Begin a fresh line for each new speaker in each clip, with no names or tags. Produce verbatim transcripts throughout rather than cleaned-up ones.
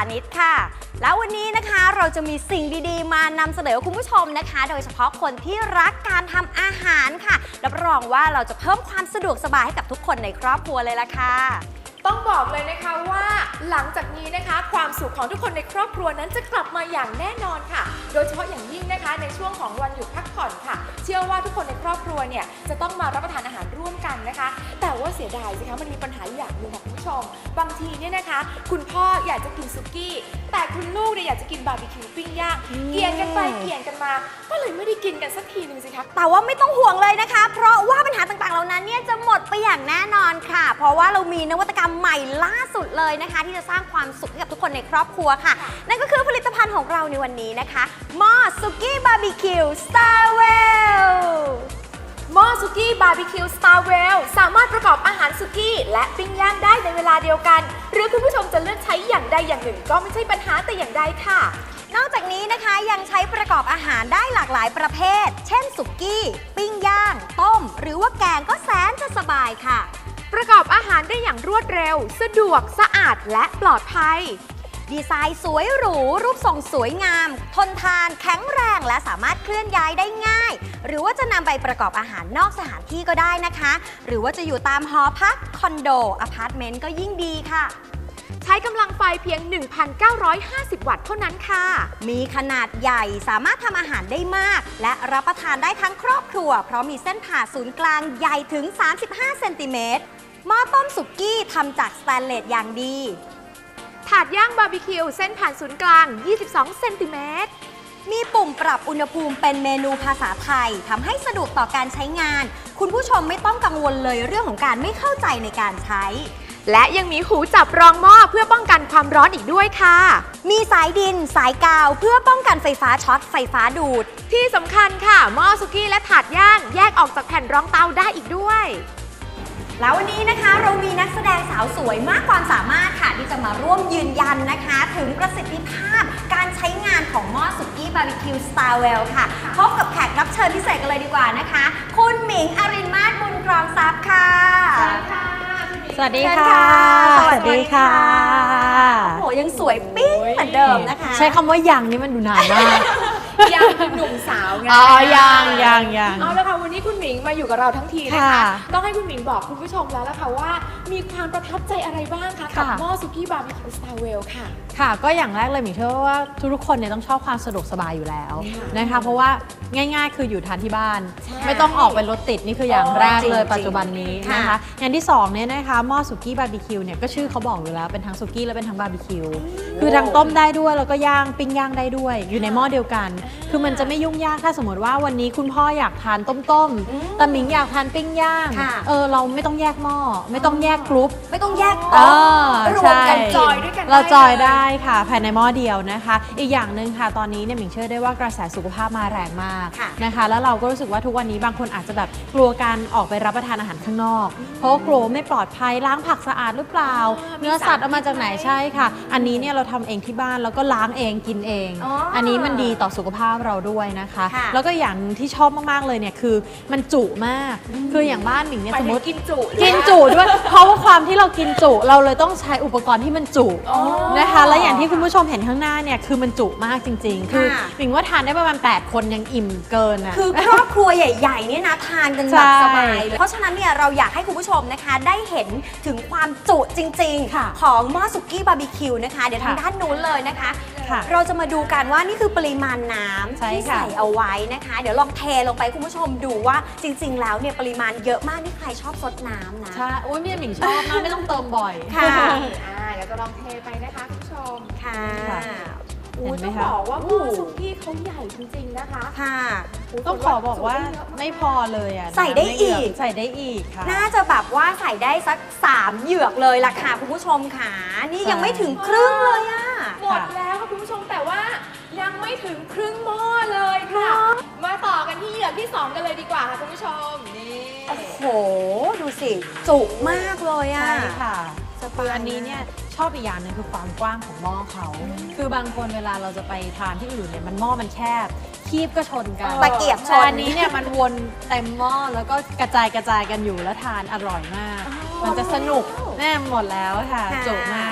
นิชค่ะแล้ววันนี้นะคะเราจะมีสิ่งดีๆมานำเสนอคุณผู้ชมนะคะโดยเฉพาะคนที่รักการทำอาหารค่ะรับรองว่าเราจะเพิ่มความสะดวกสบายให้กับทุกคนในครอบครัวเลยล่ะค่ะ
ต้องบอกเลยนะคะว่าหลังจากนี้นะคะความสุขของทุกคนในครอบครัวนั้นจะกลับมาอย่างแน่นอนค่ะโดยเฉพาะอย่างยิ่งนะคะในช่วงของวันหยุดพักผ่อนค่ะเชื่อว่าทุกคนในครอบครัวเนี่ยจะต้องมารับประทานอาหารร่วมกันนะคะแต่ว่าเสียดายสิคะมันมีปัญหาอย่างหนึ่งค่ะคุณผู้ชมบางทีเนี่ยนะคะคุณพ่ออยากจะกินสุกี้แต่คุณลูกเนี่ยอยากจะกินบาร์บีคิวปิ้งย่างเกี่ยงกันไปเกี่ยงกันมาก็เลยไม่ได้กินกันสักทีนึงสิคะ
แต่ว่าไม่ต้องห่วงเลยนะคะเพราะว่าปัญหาต่างๆเหล่านั้นเนี่ยจะหมดไปอย่างแน่นอนค่ะเพราะว่าเรามีนวัตกรรมใหม่ล่าสุดเลยนะคะที่จะสร้างความสุขให้กับทุกคนในครอบครัวค่ะนั่นก็คือผลิตภัณฑ์ของเราในวันนี้นะคะหม้อสุกี้บาร์บีคิวสตาร์เวล
หม้อสุกี้บาร์บีคิวสตาร์เวลสามารถประกอบอาหารสุกี้และปิ้งย่างได้ในเวลาเดียวกันหรือคุณผู้ชมจะเลือกใช้อย่างใดอย่างหนึ่งก็ไม่ใช่ปัญหาแต่อย่างใดค่ะ
นอกจากนี้นะคะยังใช้ประกอบอาหารได้หลากหลายประเภทเช่นสุกี้ปิ้งย่างต้มหรือว่าแกงก็แสนจะสบายค่ะ
ประกอบอาหารได้อย่างรวดเร็วสะดวกสะอาดและปลอดภัย
ดีไซน์สวยหรูรูปทรงสวยงามทนทานแข็งแรงและสามารถเคลื่อนย้ายได้ง่ายหรือว่าจะนำไปประกอบอาหารนอกสถานที่ก็ได้นะคะหรือว่าจะอยู่ตามหอพักคอนโดอพาร์ตเมนต์ก็ยิ่งดีค่ะ
ใช้กำลังไฟเพียง หนึ่งพันเก้าร้อยห้าสิบ วัตต์เท่านั้นค่ะ
มีขนาดใหญ่สามารถทำอาหารได้มากและรับประทานได้ทั้งครอบครัวเพราะมีเส้นผ่าศูนย์กลางใหญ่ถึงสามสิบห้าเซนติเมตรหม้อต้มสุกี้ทำจากสแตนเลสอย่างดี
ถาดย่างบาร์บีคิวเส้นผ่านศูนย์กลางยี่สิบสองเซนติเมตร
มีปุ่มปรับอุณหภูมิเป็นเมนูภาษาไทยทำให้สะดวกต่อการใช้งานคุณผู้ชมไม่ต้องกังวลเลยเรื่องของการไม่เข้าใจในการใช้
และยังมีหูจับรองหม้อเพื่อป้องกันความร้อนอีกด้วยค่ะ
มีสายดินสายกาวเพื่อป้องกันไฟฟ้าช็อตไฟฟ้าดูด
ที่สำคัญค่ะหม้อสุกี้และถาดย่างแยกออกจากแผ่นรองเตาได้อีกด้วย
แล้ววันนี้นะคะเรามีนักแสดงสาวสวยมากความสามารถค่ะที่จะมาร่วมยืนยันนะคะถึงประสิทธิภาพการใช้งานของหม้อสุกี้บาร์บีคิวสตาร์เวลค่ะพบกับแขกรับเชิญพิเศษกันเลยดีกว่านะคะคุณหมิงอรินมาศบุญครองทรัพย์ค่ะ
สวัสดีค่ะ
สวัสดีค่ะโอ้โหยังสวยปิ๊งเหมือนเดิมนะคะ
ใช้คำว่ายังนี่มันดูนานมาก
ยังหนุ่มสาวไง
อ๋อยังยังยัง
เอาละค่ะวันนี้คุณหมิงมาอยู่กับเราทั้งทีนะคะต้องให้คุณหมิงบอกคุณผู้ชมแล้วล่ะค่ะว่ามีความประทับใจอะไรบ้างคะกับหม้อสุกี้บาร์บีคิวสตาร์เวลค่ะ
ค่ะก็อย่างแรกเลยหมิงเชื่อว่าทุกๆคนเนี่ยต้องชอบความสะดวกสบายอยู่แล้วนะคะเพราะว่าง่ายๆคืออยู่ทานที่บ้านไม่ต้องออกไปรถติดนี่คืออย่างแรกเลยปัจจุบันนี้นะคะอย่างที่สองเนี่ยนะคะหม้อสุกี้บาร์บีคิวเนี่ยก็ชื่อเขาบอกอยู่แล้วเป็นทั้งสุกี้และเป็นทั้งบาร์บีคิวคือทั้งต้มได้ด้วยแล้วก็ย่างปิ้งย่างได้ด้วยอยู่ในหม้อเดียวกันคือมันจะไม่ยุ่งยากถ้าสมมติว่าวันนี้คุณพ่ออยากทานต้มๆแต่หมิงอยากทานปิ้งย่างเออเราไม่ต้องแยกหม้อไม่ต้องแยกกรุ๊ป
ไม่ต้องแยก
เออ
รวมกันจอยด้วยกัน
เราจอยได้ค่ะภายในหม้อเดียวนะคะอีกอย่างหนึ่งค่ะตอนนี้เนี่ยหมิงเชื่อได้ว่ากระแสสุขภาพมาแรงมากนะคะแล้วเราก็รู้สึกว่าทุกวันนี้บางคนอาจจะแบบกลัวการออกไปรับประทานอาหารข้างนอกเพราะกลัวไม่ปลอดภัยล้างผักสะอาดหรือเปล่าเนื้อสัตว์เอามาจากไหนใช่ค่ะอันนี้เนี่ยเราทำเองที่บ้านแล้วก็ล้างเองกินเองอันนี้มันดีต่อสุขภาพเราด้วยนะคะแล้วก็อย่างที่ชอบมากๆเลยเนี่ยคือมันจุมากคืออย่างบ้านหมิงเนี่ยสมมติ
กินจุ
กินจุด้วยเพราะว่าความที่เรากินจุเราเลยต้องใช้อุปกรณ์ที่มันจุนะคะและอย่างที่คุณผู้ชมเห็นข้างหน้าเนี่ยคือมันจุมากจริงๆคือหมิงว่าทานได้ประมาณแปดคนยังอิ่มเกินอ่ะ
คือครอบครัวใหญ่ๆเนี่ยนะทานกันแบบสบายเพราะฉะนั้นเนี่ยเราอยากให้คุณผู้ชมนะคะได้เห็นถึงความจุจริงๆของหม้อสุกี้บาร์บีคิวนะคะเดี๋ยวทางด้านนู้นเลยนะคะเราจะมาดูกันว่านี่คือปริมาณน้ำที่ใส่เอาไว้นะคะเดี๋ยวลองเทลงไปคุณผู้ชมดูว่าจริงๆแล้วเนี่ยปริมาณเยอะมากนี่ใครชอบซดน้ำนะ
ใช่โอ้ยพี่หมิงชอบมากไม่ต้องเติมบ่อย
ค่ะ
อ่าเดี๋ยวจะลองเทไปนะคะคุณผู้ชม
ค่ะ
อู้ต้องบอกว่าหม้อสุกี้เขาใหญ่จริงๆนะคะ
ค่ะ
ต้องขอบอกว่าไม่พอเลยอ่ะ
ใส่ได้อีก
ใส่ได้อีกค่ะ
น่าจะแบบว่าใส่ได้สักสามเหยือกเลยล่ะค่ะคุณผู้ชมค่ะนี่ยังไม่ถึงครึ่งเลยอ่ะ
หมดแล้วค่ะคุณผู้ชมแต่ว่ายังไม่ถึงครึ่งหม้อเลยค่ะมาต่อกันที่เหยือกที่สองกันเลยดีกว่าค่ะคุณผู้ชมนี่
โอ้โหดูสิจุมากเลยอ่ะ
ใช่ค่ะคืออันนี้เนี่ยชอบอีกอย่างนึงคือความกว้างของหม้อเขาคือบางคนเวลาเราจะไปทานที่อื่นเนี่ยมันหม้อมันแคบคีบก็ชนกัน
ตะเกียบชน
อันนี้เนี่ยมันวนเต็มหม้อแล้วก็กระจายกระจายกันอยู่แล้วทานอร่อยมากมันจะสนุกแน่หมดแล้วค่ะจุมาก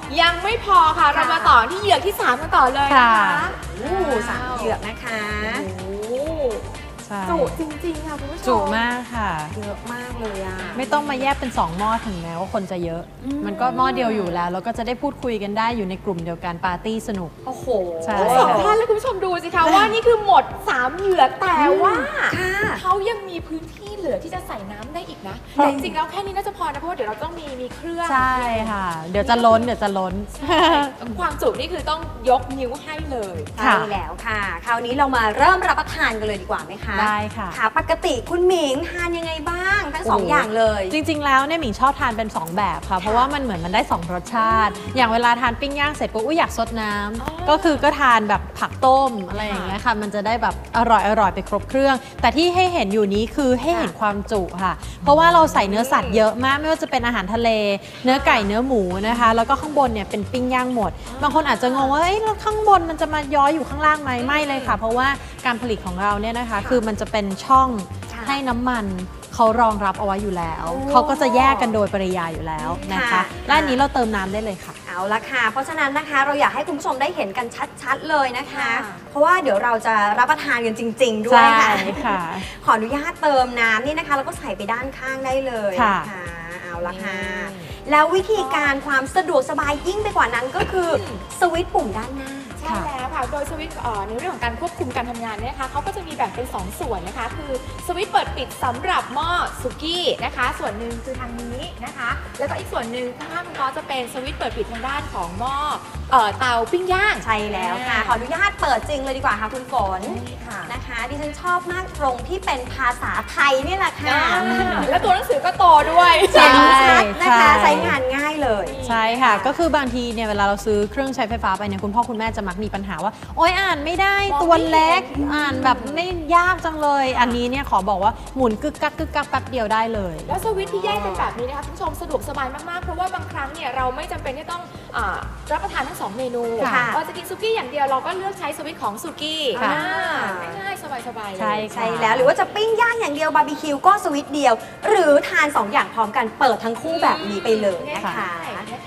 ยังไม่พอค่ะ เรามาต่อที่เหยือกที่สามกันต่อเลยนะคะ
ค่ะ
โอ้สามเหยือกนะคะ
โอ้
ใช่
จุจริงๆค่ะคุณผู้ชม
จุมากค่ะ
เยอะมากเลยอ่ะ
ไม่ต้องมาแยกเป็นสองหม้อถึงแม้ว่าคนจะเยอะ
อืม
มันก็หม้อเดียวอยู่แล้ว แล้วก็จะได้พูดคุยกันได้อยู่ในกลุ่มเดียวกันปาร์ตี้สนุก
โอ้โห
ใช่
ทั้งสองท่านและคุณผู้ชมดูสิคะว่านี่คือหมดสามเหยือกแต่ว่า
ค่ะ
เขายังมีพื้นที่เหลือที่จะใส่น้ำได้อีกนะ
เพราะ
แต่จริงๆแล้วแค่นี้น่าจะพอนะเพราะว่าเดี๋ยวเราต้องมีมีเครื่อง
ใช่ค่ะ เดี๋ยวจะล้นเดี๋ยวจะล้น
ความจุนี่คือต้องยกนิ้วให้เลย
ใช่แล้วค่ะ คราวนี้เรามาเริ่มรับประทานกันเลยดีกว่าไหมคะ
ได้ค่ะ
ค่ะ ปกติคุณหมิงทานยังไงบ้าง ทั้งสอง
โอ้
อย่างเลย
จริง ๆ แล้วเนี่ยหมิงชอบทานเป็น สอง แบบค่ะ เพราะว่ามันเหมือนมันได้ สอง รสชาติ อย่างเวลาทานปิ้งย่างเสร็จปุ๊บอุ๊ยอยากซดน้ำก็คือก็ทานแบบผักต้มอะไรอย่างเงี้ยค่ะ มันจะได้แบบอร่อยอร่อยไปครบเครื่อง แต่ที่ให้เห็นอยู่นี้คือให้เห็นความจุค่ะ เพราะว่าเราใส่เนื้อสัตว์เยอะมากไม่ว่าจะเป็นอาหารทะเล เนื้อไก่เนื้อหมูนะคะ แล้วก็ข้างบนเนี่ยเป็นปิ้งย่างหมด บางคนอาจจะงงว่าเอ้ยแล้วข้างบนมันจะมาย้อยอยู่ข้างล่างไหมไม่เลยค่ะ เพราะว่าการผลิตของเราเนี่ยนะคะ คือมันจะเป็นช่อง
ค่ะ
ให้น้ำมันเขารองรับเอาไว้อยู่แล้ว
โอ้
เขาก็จะแยกกันโดยปริยายอยู่แล้วนะคะ
ค่ะ
และอันนี้เราเติมน้ำได้เลยค่ะ
เอาละค่ะ เพราะฉะนั้นนะคะเราอยากให้คุณผู้ชมได้เห็นกันชัดๆเลยนะคะ
ค่ะ
เพราะว่าเดี๋ยวเราจะรับประทานกันจริง ๆ ด้วยค่ะ
ใช่ค่ะ
ขออนุญาตเติมน้ำนี่นะคะ แล้วก็ใส่ไปด้านข้างได้เลย
ค่ะ
นะคะเอาละค่ะ แล้ววิธีการความสะดวกสบายยิ่งไปกว่านั้นก็คือสวิตช์ปุ่มด้านหน้า
ใช่แล้วค่ะ โดยสวิตช์เอ่อในเรื่องของการควบคุมการทำงานเนี่ยนะคะเขาก็จะมีแบ่งเป็น สอง ส่วนนะคะ คือสวิตช์เปิดปิดสำหรับหม้อสุกี้นะคะ ส่วนหนึ่งคือทางนี้นะคะ แล้วก็อีกส่วนหนึ่งข้างๆคุณก็จะเป็นสวิตช์เปิดปิดทางด้านของหม้อเอ่อเตาปิ้งย่าง
ใช่แล้วค่ะ ขออนุญาตเปิดจริงเลยดีกว่าค่ะคุณฝน
นี่ค่ะ
นะคะดิฉันชอบมากตรงที่เป็นภาษาไทยนี่แหละค่ะ
แล้วตัวหนังสือก็โตด้วย
ใช่
เห็นชัดนะคะ
ใช่
ใช้งานง่ายเลย
ใช่ค่ะ ก็คือบางทีเนี่ยเวลาเราซื้อเครื่องใช้ไฟฟ้าไปเนี่ยคุณพ่อคุณแม่จะมักมีปัญหาว่า โอ๊ยอ่านไม่ได้
มองไม่
ตัวเล็ก
เห็น
อ่านแบบไม่ยากจังเลย อันนี้เนี่ยขอบอกว่าหมุนกึกกักกึกกักแป๊บเดียวได้เลย
แล้วสวิตช์ที่แยกเป็นแบบนี้นะคะคุณผู้ชมสะดวกสบายมากๆ เพราะว่าบางครั้งเนี่ยเราไม่จำเป็นที่ต้องอารับประทานทั้งสองเมนู
ค่ะ
เราจะกินซุกี้อย่างเดียวเราก็เลือกใช้สวิตช์ของซุกี้
ค่ะ
อ่าง่ายๆสบายๆเลย
ใช่ค่ะ
ใช่แล้วหรือว่าจะปิ้งย่างอย่างเดียวบาร์บีคิวก็สวิตช์เดียว หรือทานสองอย่างพร้อมกันเปิดทั้งคู่แบบนี้ไปเลยนะคะ
ง่ายๆนะคะ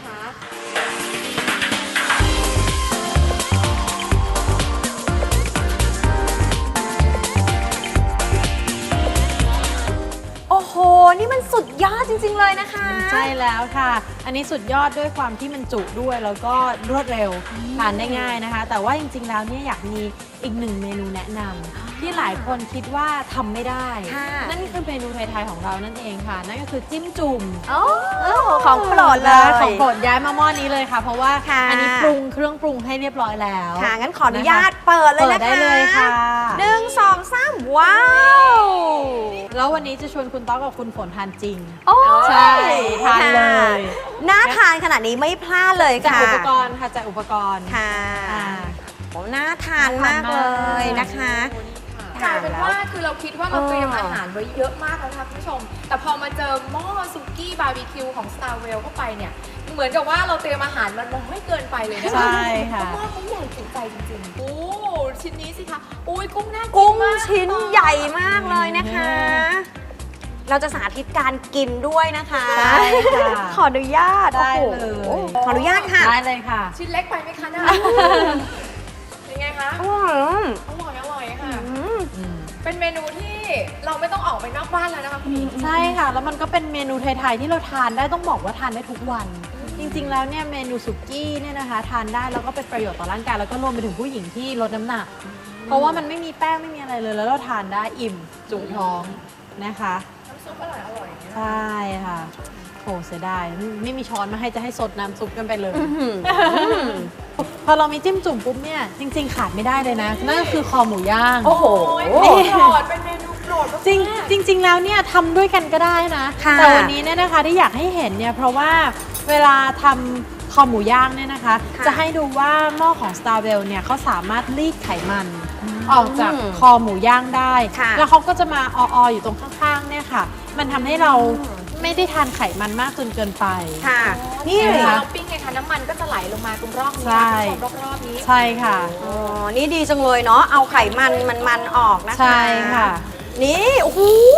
โอ้โห นี่มันสุดยอดจริง ๆ เลยนะคะ
ใช่แล้วค่ะ อันนี้สุดยอดด้วยความที่มันจุด้วยแล้วก็รวดเร็วทานได้ง่ายนะคะ แต่ว่าจริงๆแล้วเนี่ยอยากมีอีกหนึ่งเมนูแนะนำที่หลายคนคิดว่าทำไม่ได้
ค่ะ
นั่นคือเมนูไทยๆของเรานั่นเองค่ะ นั่นก็คือจิ้มจุ่ม
โอ้ของโปรดเลย
ของโปรดย้ายมาหม้อนี้เลยค่ะ เพราะว่า
ค่ะ
อันนี้ปรุงเครื่องปรุงให้เรียบร้อยแล้ว
ค่ะ งั้นขออนุญาตเปิดเลย
เปิ
นะ
ดได้
คะ
เลยค่ะ
หนึ่งสองสามว้าว
แล้ววันนี้จะชวนคุณต๊อกกับคุณฝนทานจริง
โอ้ย
ใช่ทานเลย
น่าทานขนาดนี้ไม่พลาดเลย
จาก
ค่ะ
อุปกรณ์ค่ะจากอุปกรณ์
ค่ะ
อ่า
โอ้น่าทานมากเลยนะคะ
กลายเป็นว่าคือเราคิดว่าเราเตรียมอาหารไว้เยอะมากแล้วนะคะคุณผู้ชม แต่พอมาเจอหม้อซุกี้บาร์บีคิวของ Starwell เข้าไปเนี่ย เหมือนกับว่าเราเตรียมอาหารมันน้อยเกินไปเลยนะคะ
ใช่ค่ะ
เพราะว่าเขาใหญ่จุใจจริงๆ โอ้ชิ้นนี้สิคะโอ้ยกุ้งน่ากิน
กุ้ง
มาก
ชิ้นใหญ่มากเลยนะคะ เราจะสาธิตการกินด้วยนะคะ
ใช่ค่ะ
ขออนุญาต
ได้
โอ้โห
เลย
ขออนุญาตค่ะ
ได้เลยค่ะ
ชิ้นเล็กไปไหมคะน่ายังไงคะ
อืม
อร่อยอร่อยค่ะ
อืม
อืม
เป็นเมนูที่เราไม่ต้องออกไปนอกบ้านแล้วนะคะคุณหญิง
ใช่ค่ะ แล้วมันก็เป็นเมนูไทยๆที่เราทานได้ต้องบอกว่าทานได้ทุกวัน จริงๆแล้วเนี่ยเมนูสุกี้เนี่ยนะคะทานได้แล้วก็เป็นประโยชน์ต่อร่างกายแล้วก็รวมไปถึงผู้หญิงที่ลดน้ำหนัก เพราะว่ามันไม่มีแป้งไม่มีอะไรเลย แล้วเราทานได้อิ่มจุท้องนะคะ
น้ำซุปอร่อยอร่อยๆเนี่ย
ใช่ค่ะโหเสียดายไม่ไม่มีช้อนมาให้จะให้สดน้ำซุปกันไปเลย พอเรามีจิ้มจุ่มปุ๊บเนี่ยจริง ๆ ขาดไม่ได้เลยนะนั่นก็คือคอหมูย่าง
โอ้โห
โอ้ยโปรดเป็นเมนูโปรดมากๆ
จริงจริง ๆ แล้วเนี่ยทำด้วยกันก็ได้นะ
ค่ะ
แต่วันนี้เนี่ยนะคะที่อยากให้เห็นเนี่ยเพราะว่าเวลาทำคอหมูย่างเนี่ยนะคะ
ค่ะ
จะให้ดูว่าหม้อของ Starwell เนี่ยเขาสามารถรีดไขมันออกจาก
อืม
คอหมูย่างได้
ค่ะ
แล้วเขาก็จะมาออๆอยู่ตรงข้างๆเนี่ยค่ะ มันทำให้เราไม่ได้ทานไขมันมากจนเกินไป
ค่ะ นี่
นี่
เล
เวย ลา
ค่ะ
เราปิ้งไงคะน้ำมันก็จะไหลลงมาตรงรอบนี้
ใช่
นะคุณผู้ชมรอบๆนี้
ใช่ค่ะ
อ๋อ นี่ดีจังเลยเนาะ เอาไขมันมันมันๆออกนะคะ
ใช่ค่ะ
นี่ โอ้โห น่าท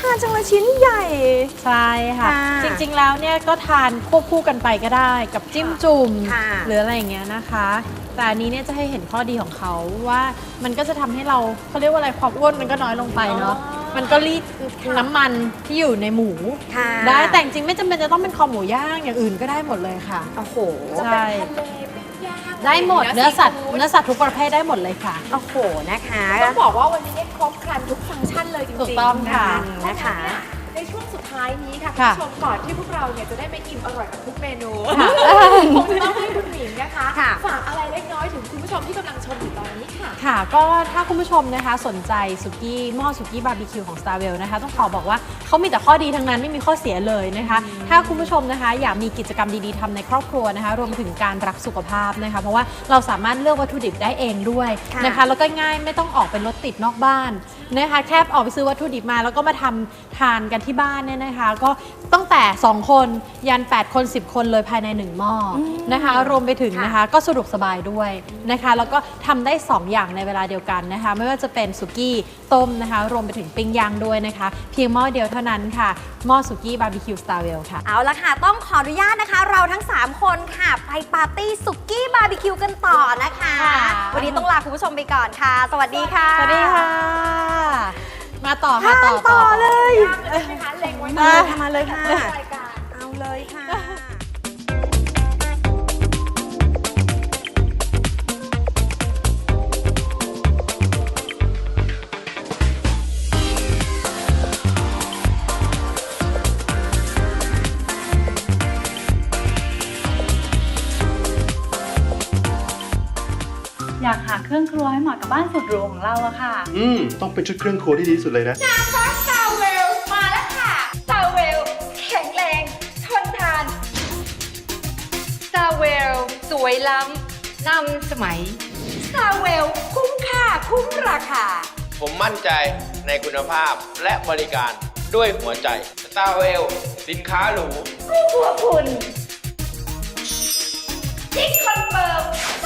านจังเลยชิ้นใหญ่
ใช่ค่ะ
ค่ะ
จริงๆแล้วเนี่ยก็ทานควบคู่กันไปก็ได้กับจิ้มจุ่ม
ค่ะ
หรืออะไรอย่างเงี้ยนะคะ แต่อันนี้เนี่ยจะให้เห็นข้อดีของเขาว่ามันก็จะทำให้เราเขาเรียกว่าอะไรความอ้วนมันก็น้อยลงไปเนาะ
อ๋อ
มันก็รีดน้ำมันที่อยู่ในหมู
ค่ะ
ได้แต่จริงๆไม่จำเป็นจะต้องเป็นคอหมูย่างอย่างอื่นก็ได้หมดเลยค่ะ
โอ้โห
จะ
ใช่
เป็นทะเลปิ้งย่าง
ได้หมดเนื้อสัตว์
ซีฟู้ด
เนื้อสัตว์ทุกประเภทได้หมดเลยค่ะ
โอ้โหนะคะ
ต้องบอกว่าวันนี้เนี่ยครบครันทุกฟังก์ชันเลยจริงๆ
ถูกต้องค่ะ
นะคะ ในช่วงสุดท้ายนี้ค่ะคุณ
ค่ะ
ผู้ชมก่อนที่พวกเราเนี่ยจะได้ไปอิ่มอร่อยกับทุกเมนู
ค่ะ
คงจะต้องให้คุณหมิงนะคะ
ค่ะ
ฝากอะไรเล็กน้อยถึงคุณผู้ชมที่กำลังชมอยู่ตอนนี้ค่ะ
ค่ะก็ถ้าคุณผู้ชมนะคะสนใจสุกี้หม้อสุกี้บาร์บีคิวของ Starwell นะคะต้องขอบอกว่าเขามีแต่ข้อดีทั้งนั้นไม่มีข้อเสียเลยนะคะ ถ้าคุณผู้ชมนะคะอยากมีกิจกรรมดีๆทำในครอบครัวนะคะรวมไปถึงการรักสุขภาพนะคะเพราะว่าเราสามารถเลือกวัตถุดิบได้เองด้วย
ค่ะ
นะคะแล้วก็ง่ายไม่ต้องออกเป็นรถติดนอกบ้านนะคะแค่ออกไปซื้อวัตถุดิบมาแล้วก็มาทำทานกันที่บ้านเนี่ยนะคะก็ตั้งแต่สองคนยันแปดคนสิบคนเลยภายในหนึ่งหม้ออนะคะรวมไปถึง
ค่ะ
นะคะก็สะดวกสบายด้วยนะคะแล้วก็ทำได้สองอย่างในเวลาเดียวกันนะคะไม่ว่าจะเป็นสุกี้ต้มนะคะรวมไปถึงปิ้งย่างด้วยนะคะเพียงหม้อเดียวเท่านั้นค่ะหม้อสุกี้บาร์บีคิวสตาร์เวลค่ะ
เอาละค่ะ ต้องขออนุญาตนะคะ เราทั้ง สาม คนค่ะ ไปปาร์ตี้สุกี้บาร์บีคิวกันต่อนะคะ
ค่ะ
วันนี้ต้องลาคุณผู้ชมไปก่อนค่ะ สวัสดีค่ะ
สวัสดีค่ะ มาต่อ
ทา
ค่ะ
น
ต่อ
ต่อเลย
ย่างเลยใช่ไหมคะเล็งไว้
มาเลยค่ะมาเลยค่ะ
รายการ
เอาเลยค่ะ
อยากหาเครื่องครัวให้เหมาะกับบ้านสุดหรูของเราอะค่ะ
อืม ต้องเป็นชุดเครื่องครัวที่ดีที่สุดเลยนะ
ซอสซาเวลมาแล้วค่ะซาเวลแข็งแรงทนทานซาเวลสวยล้ำนำสมัยซาเวลคุ้มค่าคุ้มราคา
ผมมั่นใจในคุณภาพและบริการด้วยหัวใจ Starwell สินค้าหรู
คู่ครัวคุณจิ๊กคอนเฟิร์ม